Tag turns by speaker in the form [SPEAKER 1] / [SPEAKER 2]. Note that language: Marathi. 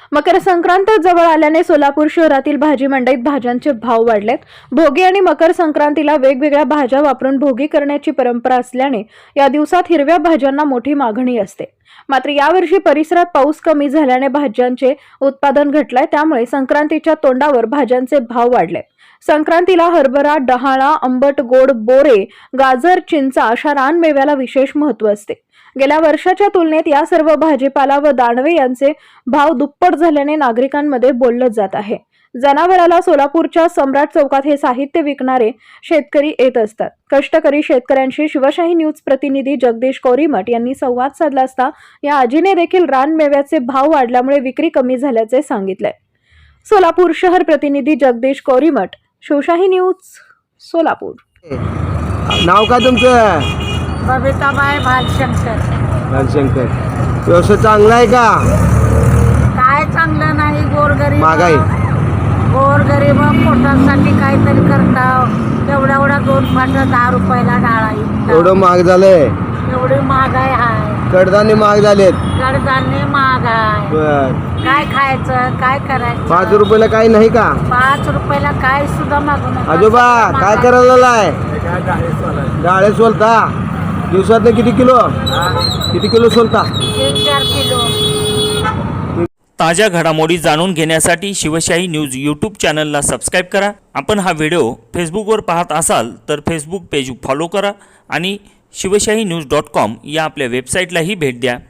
[SPEAKER 1] मकर संक्रांत जवळ आल्याने सोलापूर शहरातील भाजी मंडईत भाज्यांचे भाव वाढलेत। भोगी आणि मकर संक्रांतीला वेगवेगळ्या भाज्या वापरून भोगी करण्याची परंपरा असल्याने या दिवसात हिरव्या भाज्यांना मोठी मागणी असते। मात्र यावर्षी परिसरात पाऊस कमी झाल्याने भाज्यांचे उत्पादन घटलंय, त्यामुळे संक्रांतीच्या तोंडावर भाज्यांचे भाव वाढले। संक्रांतीला हरभरा, डहाळा, आंबट गोड, बोरे, गाजर, चिंचा अशा रानमेव्याला विशेष महत्त्व असते। गेल्या वर्षाच्या तुलनेत या सर्व भाजीपाला व दाणवे यांचे भाव दुप्पट झाल्याने नागरिकांमध्ये बोललं जात आहे। जनावराला सोलापूरच्या सम्राट चौकात हे साहित्य विकणारे शेतकरी येत असतात। कष्टकरी शेतकऱ्यांशी शिवशाही न्यूज प्रतिनिधी जगदीश कोरीमठ यांनी संवाद साधला असता या आजीने देखील रानमेव्याचे भाव वाढल्यामुळे विक्री कमी झाल्याचे सांगितले। सोलापूर शहर प्रतिनिधी जगदीश कोरीमठ, शिवशाही न्यूज, सोलापूर।
[SPEAKER 2] नाव काय तुमचं?
[SPEAKER 3] बबिताबाई भालशंकर।
[SPEAKER 2] व्यवसाय चांगला आहे का?
[SPEAKER 3] काय चांगलं नाही, गोरगरीब
[SPEAKER 2] महागाई
[SPEAKER 3] गोरगरीब पोटासाठी काहीतरी करता। एवढा 2 फाटं 10 रुपयाला डाळ
[SPEAKER 2] एवढं महाग झालंय,
[SPEAKER 3] एवढी महागाई आहे।
[SPEAKER 2] कडधान्य महाग झालेत।
[SPEAKER 3] कडधान्य महाग आहे,
[SPEAKER 2] बर,
[SPEAKER 3] काय खायचं, काय करायचं?
[SPEAKER 2] 5 रुपयाला काही नाही का?
[SPEAKER 3] 5 रुपयाला काय सुद्धा मागू नका।
[SPEAKER 2] आजोबा काय करायला आहे? डाळे सोलता दिवसात किती किलो सोलता?
[SPEAKER 3] 3-4 किलो।
[SPEAKER 4] ताज्या घडामोडी जाणून घेण्यासाठी शिवशाही न्यूज यूट्यूब चॅनलला सबस्क्राईब करा। आपण हा व्हिडिओ फेसबुकवर पाहत असाल तर फेसबुक पेज फॉलो करा आणि शिवशाही न्यूज.com या आपल्या वेबसाईटलाही भेट द्या।